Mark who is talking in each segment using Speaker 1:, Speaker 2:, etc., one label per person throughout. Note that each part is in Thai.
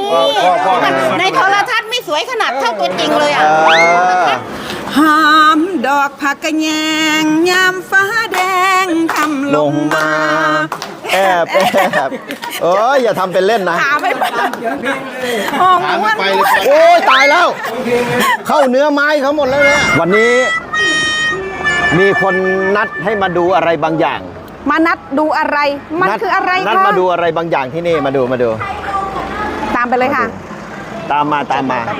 Speaker 1: ในโทรทัศน์ไม่สวยขนาดเท่าตัวจริงเลยอ่ะ
Speaker 2: หอมดอกผักกระแยงยามฟ้าแดงทำลงมา
Speaker 3: แอบอย่าทำเป็นเล่นนะ
Speaker 2: ขาไม่ไปหอมม้วน
Speaker 3: โอ้ยตายแล้ว เข้าเนื้อไม้เขาหมดแล้วเนี่ยวันนี้มีคนนัดให้มาดูอะไรบางอย่าง
Speaker 2: มานัดดูอะไรมันคืออะไรคะ
Speaker 3: นัดมาดูอะไรบางอย่างที่นี่มาดู
Speaker 2: ตามไปเลยค่ะ
Speaker 3: ตามมา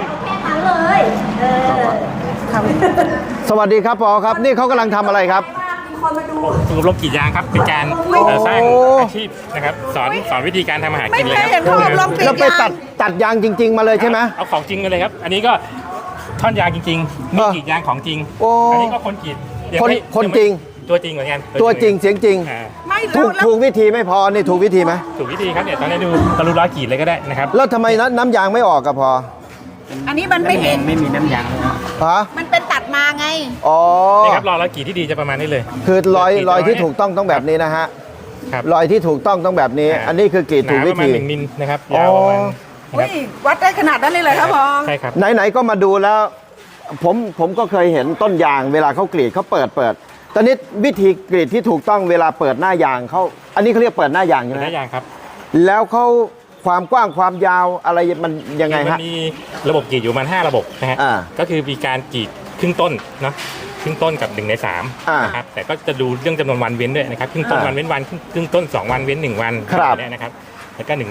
Speaker 3: สวัสดีครับปอครับนี่เขากำลังทำอะไรครับ
Speaker 4: ฝึกอบรมกรีดยางครับเป็นการสร้างอาชีพนะครับสอนวิธีการทำอาหารกินเลยครับ
Speaker 3: แล้วไปตัดยางจริง ๆ มาเลยใช่ไหม
Speaker 4: เอาของจริงกันเลยครับอันนี้ก็ท่อนยางจริงๆมีกรีดยางของจริงอันนี้ก็คนกรีด
Speaker 3: คนจริง
Speaker 4: ตัวจริงเหมือนกัน
Speaker 3: ตัวจริงเสียงจริงถูกวิธีไม่พอนี่ถูกวิธีไหม
Speaker 4: ถูกวิธีครับเนี่ยตอนนี้ดูตะลุร้อยกรีดเลยก็ได้นะครับ
Speaker 3: แล้วทำไมน้ำยางไม่ออกกับพอ
Speaker 2: อันนี้มันไม่มี
Speaker 4: น้ำยาง
Speaker 3: ฮะ
Speaker 2: มันเป็นตัดมาไง
Speaker 3: อ๋อ
Speaker 4: นี่ครับร้อยกรีดที่ดีจะประมาณนี้เลย
Speaker 3: คือรอยที่ถูกต้องแบบนี้นะฮะรอยที่ถูกต้องแบบนี้อันนี้คือกรีดถูกวิธี
Speaker 4: ประมาณ1 มิลนะครับยาวประมาณ
Speaker 2: วัดได้ขนาดนั้นเลยครับพอ
Speaker 4: ใช่ครับ
Speaker 3: ไหนก็มาดูแล้วผมก็เคยเห็นต้นยางเวลาเขากรีดเขาเปิดตอนนี้วิธีกรีดที่ถูกต้องเวลาเปิดหน้ายางเขาอันนี้เขาเรียกเปิดหน้ายางใช่ไหม
Speaker 4: หน้ายางครับ
Speaker 3: แล้วเขาความกว้างความยาวอะไรมันยังไงฮะ
Speaker 4: มันมีระบบกรีดอยู่ประมาณ5 ระบบนะฮะก็คือมีการกรีดครึ่งต้นเนาะครึ่งต้นกับ1 ใน 3นะครับแต่ก็จะดูเรื่องจำนวนวันเว้นด้วยนะครับครึ่งต้นวันเว้นวันครึ่งต้น2 วันเว้น1 วันนี่นะครับแล้วก็1 ใน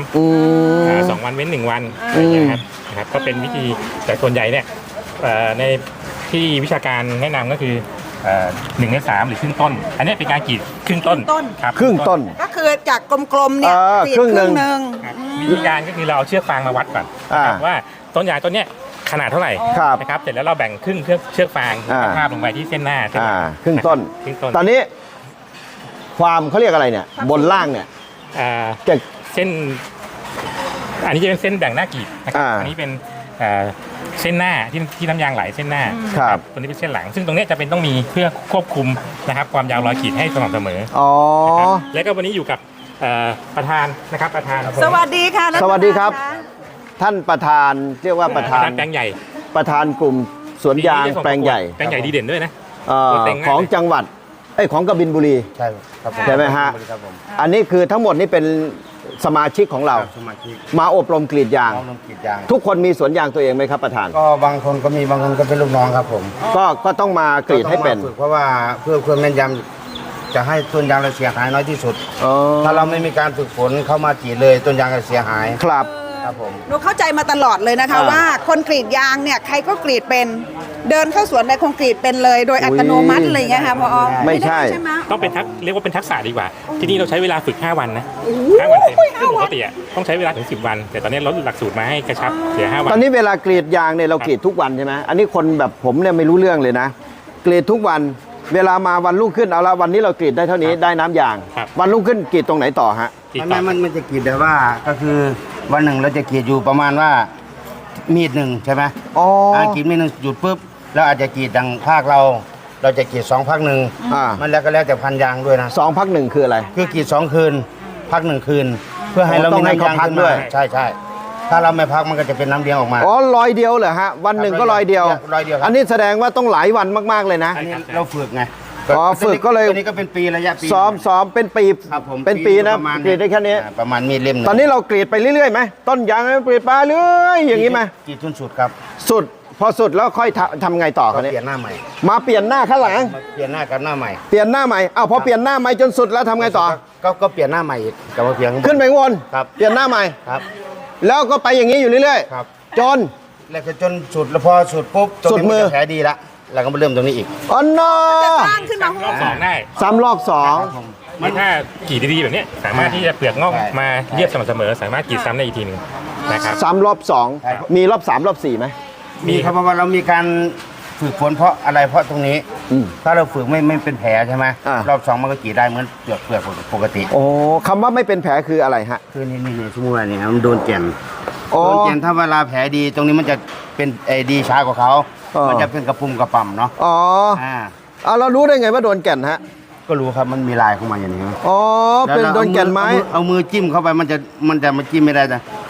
Speaker 4: 3 2 วันเว้น1 วันนะครับก็เป็นวิธีแต่ส่วนใหญ่เนี่ยในที่วิชาการแนะนำก็คือ1 ใน 3หรือครึ่งต้นอันนี้เป็นการกรีดครึ่งต้น
Speaker 3: ครับครึ่งต้น
Speaker 2: ก็คือจากกลมๆเนี่ยกรีดครึ่งหนึ่ง
Speaker 4: วิธีการก็คือเราเอาเชือกฟางมาวัดก่อนว่าต้นยางต้นเนี้ยขนาดเท่าไหร่นะครับเสร็จแล้วเราแบ่งครึ่งเชือกฟางภาพลงไปที่เส้นหน้า
Speaker 3: ครึ่งต้นตอนนี้ความเขาเรียกอะไรเนี่ยบนล่างเนี่ย
Speaker 4: เส้นอันนี้จะเป็นเส้นแบ่งหน้ากรีดอันนี้เป็นเส้นหน้าที่น้ำยางไหลเส้นหน้าตัวนี้เป็นเส้นหลังซึ่งตรงนี้จะเป็นต้องมีเพื่อควบคุมนะครับความยาวรอยขีดให้สม่ำเสมอแล้วก็วันนี้อยู่กับประธานนะครับประธาน
Speaker 2: สวัสดีค่ะ
Speaker 3: สวัสดีครับท่านประธานเรียกว่าประธาน
Speaker 4: แปลงใหญ่
Speaker 3: ประธานกลุ่มสวนยางแปลงใหญ่
Speaker 4: ดีเด่นด้วยนะ
Speaker 3: ของจังหวัดของกบินบุรีใช่ไหมฮะอันนี้คือทั้งหมดนี่เป็นสมาชิกของเรามาอบรมกรีดยางทุกคนมีสวนยางตัวเองไหมครับประธาน
Speaker 5: ก็บางคนก็มีบางคนก็เป็นลูกน้องครับผม
Speaker 3: ก็ต้องมากรีดให้เป็น
Speaker 5: เพราะว่าเพื่อแม่นยำจะให้ต้นยางเราเสียหายน้อยที่สุดถ้าเราไม่มีการฝึกฝนเข้ามากรีดเลยต้นยางจะเสียหาย
Speaker 3: ครับ
Speaker 5: ผม
Speaker 2: หนูเข้าใจมาตลอดเลยนะคะว่าคนกรีดยางเนี่ยใครก็กรีดเป็นเดินเข้าสวนไปคงกรีดเป็นเลยโดยอัตโนมัติอะไรเงี้ยค่ะพอ
Speaker 3: ไม่ใช่
Speaker 4: ต้องเป็นเรียกว่าเป็นทักษะดีกว่าที่นี่เราใช้เวลาฝึก5 วันนะ5 วันเต็มซึ่งปกติต้องใช้เวลาถึง10 วันแต่ตอนนี้ลดหลักสูตรมาให้กระชับเสีย5 วัน
Speaker 3: ตอนนี้เวลากรีดยางเนี่ยเรากรีดทุกวันใช่ไหมอันนี้คนแบบผมเนี่ยไม่รู้เรื่องเลยนะกรีดทุกวันเวลามาวันรุ่งขึ้นเอาละวันนี้เรากรีดได้เท่านี้ได้น้ำยางวันรุ่งขึ้นกรีดตรงไหนต่อฮะ
Speaker 5: มันจะกรีดแต่ว่าก็คือวันหนึ่งเราจะกรีดอยู่ประมาณว่ามีดหนึ่งใช่ไหมกรีดมีดหนึ่งหยุดปุ๊บเราอาจจะกรีดดังภาคเราจะกรีด2 พักหนึ่งมันแล้วก็แล้วแต่พันยางด้วยนะ
Speaker 3: 2 พัก 1คืออะไร
Speaker 5: คือกรีด2 คืนพัก1 คืนเพื่อให้เรามีน้ำยางขึ้นมาใช่ถ้าเราไม่พักมันก็จะเป็นน้ำเลี้ยงออกมา
Speaker 3: ลอยเดียวเหรอฮะวันหนึ่งก็ลอยเดียวอันนี้แสดงว่าต้องหลายวันมากๆเลยนะ
Speaker 5: อันนี้เราฝึกไง
Speaker 3: ฝึกก็เลย
Speaker 5: ตัวนี้ก็เป็นปีระยะปี
Speaker 3: ซ้อมเป็นปีเป็นปีนะกรีดได้แค่นี้
Speaker 5: ประมาณมีดเล่ม
Speaker 3: ตอนนี้เรากรีดไปเรื่อยๆไหมต้นยางกรีดไปเรื่อยอย่างนี้ไหม
Speaker 5: กรีดจนสุดครับ
Speaker 3: สุดพอสุดแล้วค่อยทำไงต่อครับ
Speaker 5: เปลี่ยนหน้าใหม่
Speaker 3: มาเปลี่ยนหน้าข้างหลัง
Speaker 5: เปลี่ยนหน้ากับหน้าใหม่
Speaker 3: เปลี่ยนหน้าใหม่พอเปลี่ยนหน้าใหม่จนสุดแล้วทำไงต่อ
Speaker 5: ก็เปลี่ยนหน้าใหม่อีกกับเปลี่ยน
Speaker 3: ขึ้นไปวนเปลี่ยนหน้าใหม่
Speaker 5: ครับ
Speaker 3: แล้วก็ไปอย่างนี้อยู่เรื่อยๆจน
Speaker 5: แล้วก็จนสุดแล้วพอสุดปุ๊บ
Speaker 3: สุดมือ
Speaker 5: แผลดีละแล้วก็มาเริ่มตรงนี้อีก
Speaker 3: อ๋อน้อ
Speaker 2: สร้างขึ้นมาร
Speaker 4: อบ2ได้
Speaker 3: รอบ
Speaker 4: 2ถ้ากรีดดีๆแบบนี้สามารถที่จะเปลือกงอกมาเรียบสม่ำเสมอสามารถกรีดซ้ำได้อีกทีนึงนะครับ
Speaker 3: รอบ 2มีรอบ 3 รอบ 4ไหม
Speaker 5: มีครับเพราะว่าเรามีการฝึกฝนเพราะอะไรเพราะตรงนี้ถ้าเราฝึกไม่เป็นแผลใช่ไหมรอบ2มันก็กรีดได้เหมือนเปลือกปกติ
Speaker 3: โอ้คำว่าไม่เป็นแผลคืออะไรฮะ
Speaker 5: คือนี่สมมติว่าเนี่ยมันโดนแก่นถ้าเวลาแผลดีตรงนี้มันจะเป็นดีช้ากว่าเขามันจะเป็นกระปุ่มกระป่ำเนาะ
Speaker 3: เรารู้ได้ไงว่าโดนแก่นฮะ
Speaker 5: ก็รู้ครับมันมีลายเข้ามาอย่างนี้
Speaker 3: เป็นโดนแก่นไม้
Speaker 5: เอามือจิ้มเข้าไปมันจะมาจิ้มไม่ได้แต่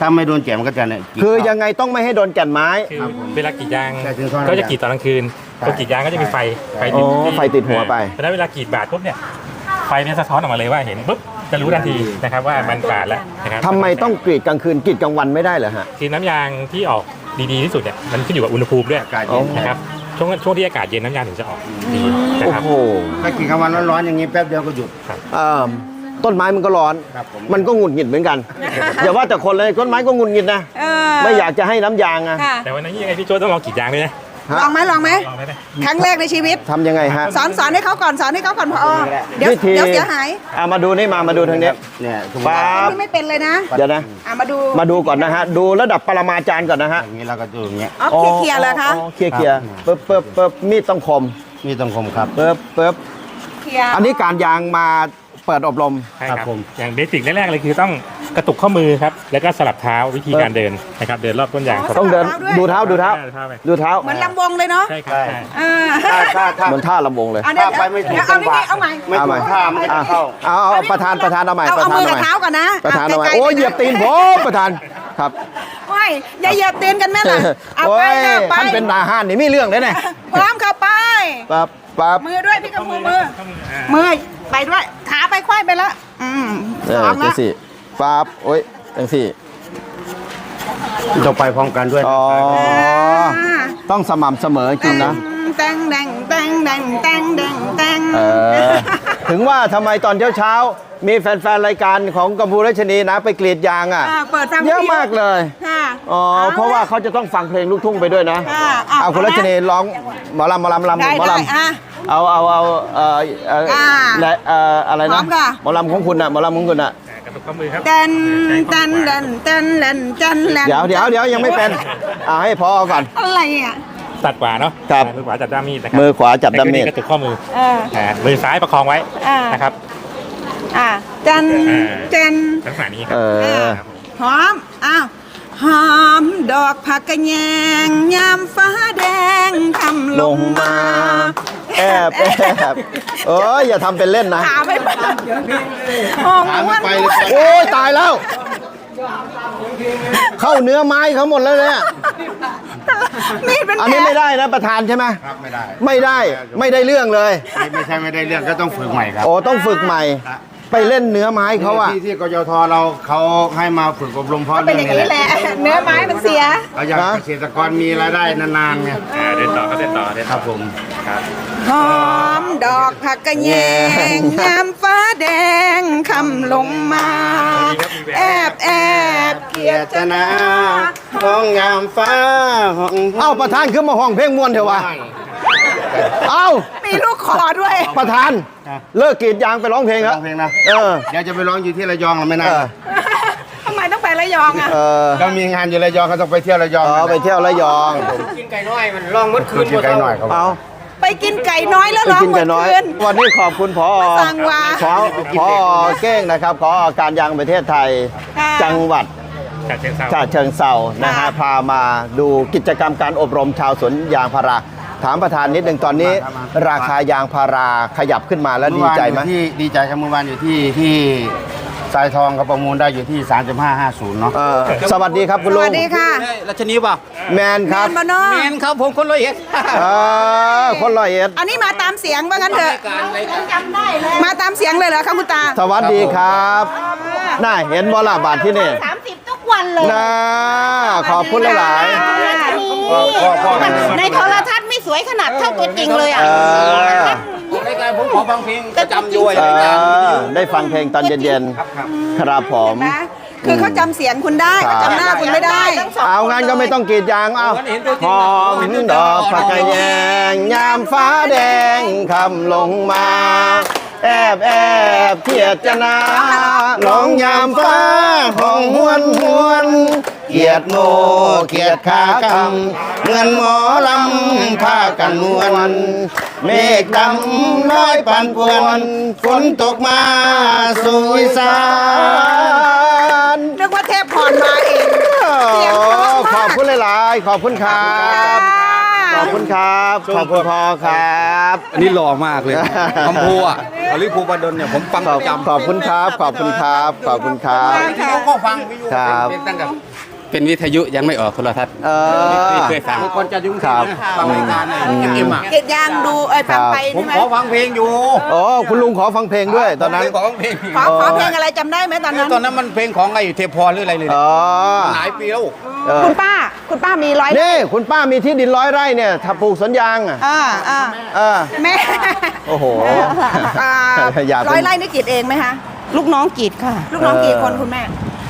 Speaker 5: ถ้าไม่โดนแก่นมันก็จะเนี่ยกรีด
Speaker 3: คือยังไงต้องไม่ให้โดนแก่นไม้
Speaker 4: คือเวลากรีดยาง
Speaker 5: ใช่ถึงท่อน
Speaker 4: ก็จะกรีดตอนกลางคืน
Speaker 5: ใช่
Speaker 4: พอกรีดยางก็จะมีไฟ
Speaker 3: อ๋อไฟติดหัวไป
Speaker 4: เพราะฉะนั้นเวลากรีดบาดปุ๊บเนี่ยไฟเนี่ยสะท้อนออกมาเลยว่าเห็นปุ๊บจะรู้ทันทีนะครับว่ามันบาดแล้วนะครับ
Speaker 3: ทำไมต้องกรีดกลางคืนกรีดกลางวันไม่ได้เหรอฮะ
Speaker 4: คือน้ำยางที่ออกดีๆที่สุดเนี่ยมันขึ้นอยู่กับอุณหภูมิด้วย
Speaker 5: อากาศเย็น
Speaker 4: นะครับช่วงที่อากาศเย็นน้ำยางถึงจะออกดีนะ
Speaker 3: โอ้
Speaker 4: ครับ
Speaker 3: โห
Speaker 5: ถ้ากรีดกลางวันร้อนๆอย่างนี้แป๊บเดียวก็หยุด
Speaker 3: เอิ่มต้นไม้มันก็ร้อน
Speaker 5: ครับผม
Speaker 3: มันก็หงุดหงิดเหมือนกัน อย่าว่าแต่คนเลยต้นไม้ก็หงุดหงิดนะ ไม่อยากจะให้น้ำยางอะ
Speaker 2: ค่ะ
Speaker 4: แต่วันนั้นยังไงพี่โจ้ต้องลองกรีดยางด้วยนะ
Speaker 3: ฮะ
Speaker 2: ลองไหม
Speaker 4: ลองได้ไหม
Speaker 2: ครั้งแรกในชีวิต
Speaker 3: ทำยังไงฮะ
Speaker 2: สอนให้เขาก่อนพอเดี๋ยว
Speaker 3: วิธี
Speaker 2: เดี๋ยวเสียหาย
Speaker 3: มาดูนี่มาดูทางนี้
Speaker 5: เนี่ยสมม
Speaker 3: ปั๊
Speaker 5: ติว่า
Speaker 3: บ
Speaker 2: นี่ไม่เป็นเลยนะ
Speaker 3: เดี๋ยวนะ
Speaker 2: มาดู
Speaker 3: ก่อนนะฮะ ดูระดับปรมาจารย์ก่อนนะฮะ
Speaker 5: อย่างนี้เราก็ดูอย่างเงี้ย
Speaker 2: อ๋อเคลียร์เลยคะ
Speaker 3: อ๋อเคลียร์ปึ๊บมีดต้องคม
Speaker 5: นี่ต้องคมครับ
Speaker 3: ปึ๊บ
Speaker 2: เคลียร์
Speaker 3: อันนี้การยางมาเปิดอบรม
Speaker 4: ใช่
Speaker 5: ครับ
Speaker 4: ครับ
Speaker 5: ผม
Speaker 4: อย่างเบสิกแรกๆเลยคือต้องกระตุกข้อมือครับแล้วก็สลับเท้าวิธีการเดินนะครับเดินรอบต้นยาง
Speaker 3: ต้องเดินดูเท้า
Speaker 4: เท้าไป
Speaker 3: ดูเท้า
Speaker 2: เหมือนลำวงเลยเนาะ
Speaker 4: ใช่ครับใช่
Speaker 2: อ่า
Speaker 5: ถ้า
Speaker 3: เหมือนท่าลำวงเลย
Speaker 2: เดี๋ยว
Speaker 5: ถ้าไปไม่ถูก
Speaker 2: เอา
Speaker 5: จังหวะ
Speaker 2: เอาใหม่
Speaker 5: ไม่ถูกท่ามันก็จะเข้า
Speaker 3: เอาประธานเอาใหม่
Speaker 2: เอา
Speaker 3: ประธาน
Speaker 2: มือ
Speaker 3: เอา
Speaker 2: กับ
Speaker 3: ใหม่
Speaker 2: เท้าก่อนนะ
Speaker 3: ประธานเอาใหม่
Speaker 2: ใกล้ๆ
Speaker 3: โอ้ยเหยียบตีนผมประธานครับ
Speaker 2: ไม่อย่าเหยียบตีนกันแม่ล่ะเอา
Speaker 3: โอ้
Speaker 2: ไป
Speaker 3: ย
Speaker 2: ค่ะไป
Speaker 3: ท่านเป็นทหารนี่มีเรื่องเลยเนี่ย
Speaker 2: พร้อมค่ะไป
Speaker 3: ปั๊บ
Speaker 2: มือด้วยพี่กับมือ
Speaker 4: ข้อมือ
Speaker 2: มือไปด้วยขาไปควายไปละสอง
Speaker 3: จั
Speaker 2: ละ
Speaker 3: งสี่ปั๊บโอ้ยจังสี่
Speaker 5: ต้องไปพร้อมกันด้วย
Speaker 3: อ๋อต้องสม่ำเสมอจริงนะ
Speaker 2: แตงแดงแตงแดงแตงแดงแตง
Speaker 3: ถึงว่าทำไมตอนเช้าๆมีแฟนๆรายการของกัมพูราชนีนะไปกรีดยางอ่ะ
Speaker 2: เปิดฟัง
Speaker 3: เยอะมากเลย
Speaker 2: ค่ะ
Speaker 3: อ๋อเพราะว่าเขาจะต้องฟังเพลงลูกทุ่งไปด้วยนะ
Speaker 2: เอา
Speaker 3: คุณรัชนีร้องหมอลำ
Speaker 2: ได้
Speaker 3: หมอ
Speaker 2: ได้
Speaker 3: ลำ
Speaker 2: อ่ะ
Speaker 3: เอาและอะไร
Speaker 2: พร้
Speaker 3: นะ
Speaker 2: อมค่ะ
Speaker 3: หมอลำของคุณน่ะหมอลำของคุณน่ะ
Speaker 4: กระตุกข้อมือครับ
Speaker 2: เต้นเต้นเต้นเต้นเต้นเต้นเต้น
Speaker 3: เดี๋ยวยังไม่เป็นเอาให้พอก่อน
Speaker 2: อะไรอ่ะ
Speaker 4: ตัดขวาเนาะ
Speaker 3: ครับ
Speaker 4: มือขวาจับด้ามมีดนะครับ
Speaker 3: มือขวาจับด้ามมีด
Speaker 4: แล้วก็กระตุกข้อมือ
Speaker 2: เออ
Speaker 4: มือซ้ายประคองไว้
Speaker 2: อ่าน
Speaker 4: นะครับ
Speaker 2: เต้นเต้น
Speaker 4: ลักษณะนี้ค
Speaker 3: เอ
Speaker 4: รับ
Speaker 3: อ
Speaker 2: หอมอ้าวหอมดอกผักกระแยงยามฟ้าแดงทำลงมา
Speaker 3: แอบเอ้ยอย่าทำเป็นเล่นนะ
Speaker 2: ขาไม่ไปห้อง
Speaker 5: ขา
Speaker 2: ม้
Speaker 5: ไม่
Speaker 2: วน
Speaker 5: ไปเลย
Speaker 3: โอ้ยตายแล้ว เข้าเนื้อไม้เขาหมดแล้วเนี่ย
Speaker 2: มีดเป็น
Speaker 3: อัน
Speaker 2: แผล
Speaker 3: นี้ไม่ได้นะประธานใช่ไหม
Speaker 5: ครับไม่ได้
Speaker 3: ไม่ได้เรื่องเลย
Speaker 5: ไม่ใช่ไม่ได้เรื่องก็ต้องฝึกใหม่ครับ
Speaker 3: โอ้ต้องฝึกใหม่ ไปเล่นเนื้อไม้เขาอะ
Speaker 5: ที่กยทเราเขาให้มาฝึกอบรมเพราะ
Speaker 2: เป็น
Speaker 5: เรื่
Speaker 2: อ
Speaker 5: อง
Speaker 2: ย่าง
Speaker 5: นี้
Speaker 2: นี้
Speaker 5: แหละ
Speaker 2: แหละ เนื้อไม้มันเสีย
Speaker 5: เราอยากเกษตรกรมีรายได้นานๆไง
Speaker 4: เดินต่อก็เดินต่อเดิน
Speaker 5: ค
Speaker 4: ต่อ
Speaker 5: รับผม
Speaker 4: ครับ
Speaker 2: หอมดอกผักกระแยงยามฟ้าแดงคำลงมา แอบเกียร
Speaker 5: เจตนาห้องงามฟ้าห้อง
Speaker 3: เอ้าประธานขึ้นมาห้องเพลงมวนเถอะวะเอ้า
Speaker 2: มีลูกคอด้วย
Speaker 3: ประธานเลิกกรีดยางไปร้องเพลงครับ
Speaker 5: ร้องเพลงนะ
Speaker 3: เออ
Speaker 5: เดี๋ยวจะไปร้องอยู่ที่ระยองหรือไม่น่า
Speaker 2: ทำไมต้องไประยองอ่ะ
Speaker 3: เออ
Speaker 5: ก็มีงานอยู่ระยองก็ต้องไปเที่ยวระยอง
Speaker 3: ไปเที่ยวระยอง
Speaker 5: กินไก่น้อยมันร้องมดคืนกินไก่น้อยครับ
Speaker 3: เอา
Speaker 2: ไปกินไก่น้อยแล้ว
Speaker 3: ไป
Speaker 2: ร้อง
Speaker 3: กิน
Speaker 2: หม
Speaker 3: กั
Speaker 2: ด
Speaker 3: นน้อย
Speaker 2: คืน
Speaker 3: วันนี้ขอบคุณพอ
Speaker 2: สั่งวา
Speaker 3: พอเก้งนะครับขอการยางประเทศไทย
Speaker 2: ค่ะ
Speaker 3: จังหวัด
Speaker 4: จัดเชิงเซา
Speaker 3: ฉะเชิงเซานะฮะ
Speaker 2: ค่ะ
Speaker 3: พามาดูกิจกรรมการอบรมชาวสวนยางพาราถามประธานนิดหนึ่งตอนนี้ ราคายางพาราขยับขึ้นมาแล้วดีใจไหม
Speaker 5: เอวานอยู่ที่ดีใจครับเมื่อวานอยู่ที่ทรายทองเขาประมูลได้อยู่ที่ 3550เนาะ
Speaker 3: สวัสดีครับคุณ
Speaker 2: ส
Speaker 3: ลุง
Speaker 2: วัสดีค่ะ
Speaker 6: รัชนีเปล่า
Speaker 3: แมนครับ
Speaker 2: แมนบานอ
Speaker 6: แมนครับผมคนร้อยเอ็ด
Speaker 3: คนร้อยเอ็ด
Speaker 2: อันนี้มาตามเสียงว่างั้นเถอะ
Speaker 6: การรายการ
Speaker 2: มาตามเสียงเลยเหรอคะคุณตา
Speaker 3: สวัสดีครับน่าเห็นบอลาบาทที่นี่
Speaker 1: 30 ทุกวันเลย
Speaker 3: นะขอบคุณหลาย
Speaker 1: ในโทรทัศน์ไม่สวยขนาดเท่าตัวจริงเลย
Speaker 3: ๆ
Speaker 1: อ่ะ
Speaker 6: รายการผมขอฟังเพลงประจำอยู่
Speaker 3: เอ
Speaker 6: รายการ
Speaker 3: ได้ฟังเพลงตอนเย็นๆครับผม
Speaker 2: นะคือเขาจำเสียงคุณได้
Speaker 3: ครับ
Speaker 2: เขาจำหน้าคุณไม่ได้
Speaker 3: เอางั้นก็ไม่ต้องกรีดยางเอาหอมดอกผักกะแยงยามฟ้าแดงคำลงมา แอบเทียดจนาน้องยามฟ้าห้องหวนเกียดโมเกียดขากำเงินหมอลำพากันนวลเมฆดำน้อยปันป่วนฝนตกมาสู่อีสาน
Speaker 2: นึกว่าเทพพรมาเอง เสียงเพราะมาก
Speaker 3: ขอบคุณหลายๆ ขอบคุณครับ
Speaker 2: ค่ะ
Speaker 3: ขอบคุณครับขอบคุณพอครับ
Speaker 6: อันนี้หล่อมากเลยคำพูอ่ะอลิภูบดลเนี่ยผมฟัง
Speaker 3: ข
Speaker 6: ป
Speaker 3: อบ
Speaker 6: ระจำ
Speaker 3: ขอบคุณครับขอบคุณครับขอบคุณครับ
Speaker 6: วิทยุก็ฟังวิทยุ
Speaker 3: ครับ
Speaker 6: เป็นตั้งแต่เป็นวิทยุยังไม่ออกโทรทัศน์
Speaker 3: ไม่
Speaker 6: เคยฟังคนจะยุ่ง
Speaker 3: ครับ
Speaker 6: ฟังรายการในเอ็มอ่ะ
Speaker 2: เกดยางดูฟังไป
Speaker 6: ผม
Speaker 2: ใช่ไหม
Speaker 6: ขอฟังเพลงอยู่
Speaker 3: อ๋อคุณลุงขอฟังเพลงด้วยตอนนั้น
Speaker 6: ผมเคยขอฟังเพลง
Speaker 2: ขอเพลงอะไรจำได้ไหมตอนนั้น
Speaker 6: ตอนนั้นมันเพลงของไอ้เทพรหรืออะไรเลย
Speaker 3: อ๋อ
Speaker 6: หลายปีแล้ว
Speaker 3: เออ
Speaker 2: คุณป้ามีร้อย
Speaker 3: นี่คุณป้ามีที่ดิน100 ไร่เนี่ยถ้าปลูกสวนยางอ่ะ เออ
Speaker 2: แม่
Speaker 3: โอ้โห อย่าเป็น
Speaker 2: ร้อยไร่นี่กรีดเองไหมคะ
Speaker 1: ลูกน้องกรีดค่ะ
Speaker 2: ลูกน้องกี่คนคุณแม่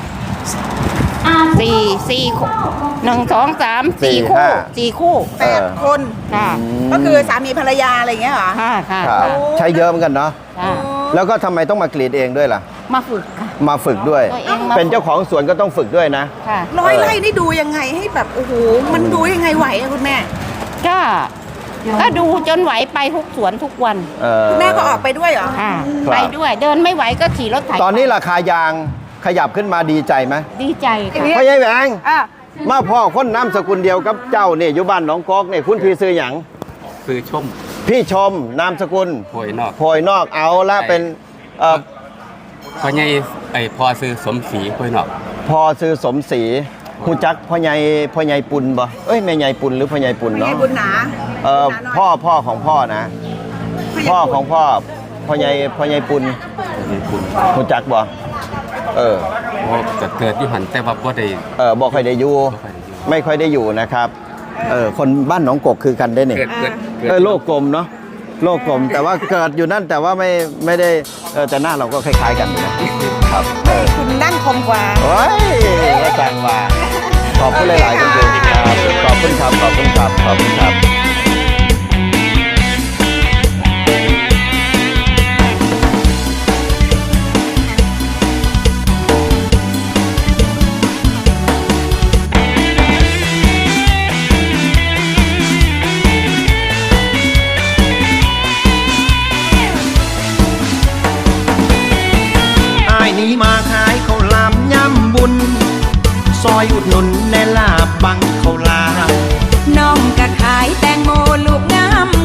Speaker 1: สี่คู่1 2 3 4 คู่ 4 คู่
Speaker 2: 8 คน
Speaker 1: ค่ะ
Speaker 2: ก็คือสามีภรรยาอะไรอย่างเงี้ยเหรอ
Speaker 1: ค่ะค่ะ
Speaker 3: ครับใช้เยอะเหมือนกันเนาะ
Speaker 1: ค่ะ
Speaker 3: แล้วก็ทำไมต้องมากรีดเองด้วยล่ะ
Speaker 1: มาฝึกค่ะ
Speaker 3: มาฝึกด้วย
Speaker 1: ตัวเองมา
Speaker 3: เป็นเจ้าของสวนก็ต้องฝึกด้วยนะ
Speaker 1: ค่ะ
Speaker 2: ร้อยไร่นี่ดูยังไงให้แบบโอ้โหมันดูยังไงไหวอะคุณแม่
Speaker 1: ก็ดูจนไหวไปทุกสวนทุกวัน
Speaker 2: คุณแม่ก็ออกไปด้วยเหรอ
Speaker 1: ค่ะ
Speaker 3: ครับ
Speaker 1: ไปด้วยเดินไม่ไหวก็ขี่รถไถ
Speaker 3: ตอนนี้ราคายางขยับขึ้นมาดีใจไหม
Speaker 1: ดีใจค่ะ
Speaker 3: พ่อใหญ่แหวง
Speaker 2: อ่ะ
Speaker 3: มาพ่อคนน้ำสกุลเดียวกับเจ้าเนี่ยอยู่บ้านหนองกอกเนี่ยคุณพี่ซื้อหยัง
Speaker 6: คือชม
Speaker 3: พี่ชมนามสกุล
Speaker 6: โวยนอก
Speaker 3: โพยนอกเอาละเป็นเอ่อ
Speaker 6: พ่อใหญ่พอซื้อสมศรีโวยนอก
Speaker 3: พอซื้อสมศรีฮู้จักพ่อใหญ่ปุณบ่เอ้ยแม่ใหญ่ปุณหรือพ่อใหญ่ปุณ
Speaker 2: ไม่
Speaker 3: เนาะ
Speaker 2: ใช่บุญหนา
Speaker 3: พ่อของพ่อนะ พ่อของพ่อพ่อใหญ่ปุณ
Speaker 6: มีคุณ
Speaker 3: ฮู้จักบ่เออ
Speaker 6: จะเกิดที่หันแต่ว่าบ่ได้
Speaker 3: บ่ค่อยได้อยู่ ไม่ค่อยได้อยู่นะครับ คนบ้านหนองกกคือกันได้เนี่ย
Speaker 6: เกิด
Speaker 3: โลกกลมเนาะ โลกกลม แต่ว่าเกิดอยู่นั่นแต่ว่าไม่ได้แต่หน้าเราก็คล้ายๆกันอยู่นะครับ
Speaker 2: คุณนั่งคมกว่า
Speaker 3: โอ้ยก็จังว่า ขอบคุณหลายๆคนดูครับ ขอบคุณครับ ขอบคุณครับ ขอบคุณครับ
Speaker 7: อ้ายนี้มาขายข้าวหลามย่ำบุญ ซอยอุดหนุนแน่ลาบบังข้าวหลาม
Speaker 2: น้องก็ขายแตงโมลูกงาม